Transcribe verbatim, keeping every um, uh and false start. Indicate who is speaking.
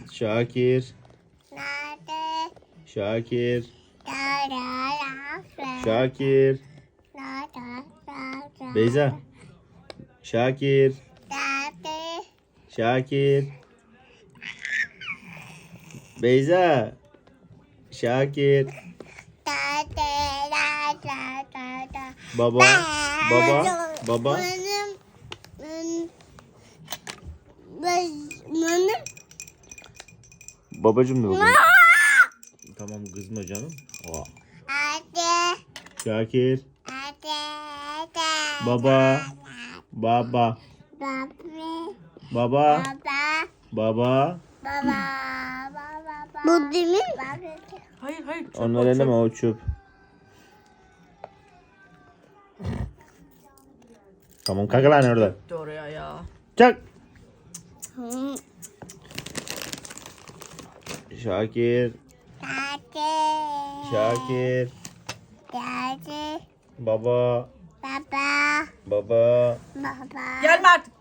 Speaker 1: Şakir.
Speaker 2: Nerede?
Speaker 1: Şakir.
Speaker 2: Nerede?
Speaker 1: Şakir.
Speaker 2: Nerede?
Speaker 1: Beyza. Şakir.
Speaker 2: Nerede?
Speaker 1: Şakir. Beyza. Şakir.
Speaker 2: Nerede? Nerede? Nerede?
Speaker 1: Baba. Baba. Baba.
Speaker 2: Benim benim benim
Speaker 1: Babacım da baba. Tamam kızma canım. Aa.
Speaker 2: Nerede?
Speaker 1: Şakir.
Speaker 2: Nerede?
Speaker 1: Baba. Baba.
Speaker 2: Baba.
Speaker 1: Baba.
Speaker 2: Baba.
Speaker 1: Baba.
Speaker 2: Baba. Baba. Bu değil mi?
Speaker 3: Hayır hayır. Çöp
Speaker 1: Onlar
Speaker 3: o,
Speaker 1: eleme
Speaker 3: çöp.
Speaker 1: o çöp. Tamam kalk lan orada.
Speaker 3: Gitti oraya ya.
Speaker 1: Çak. Şakir.
Speaker 2: Nerede?
Speaker 1: Şakir.
Speaker 2: Nerede?
Speaker 1: Baba.
Speaker 2: Baba.
Speaker 1: Baba.
Speaker 2: Baba.
Speaker 3: Gelme artık.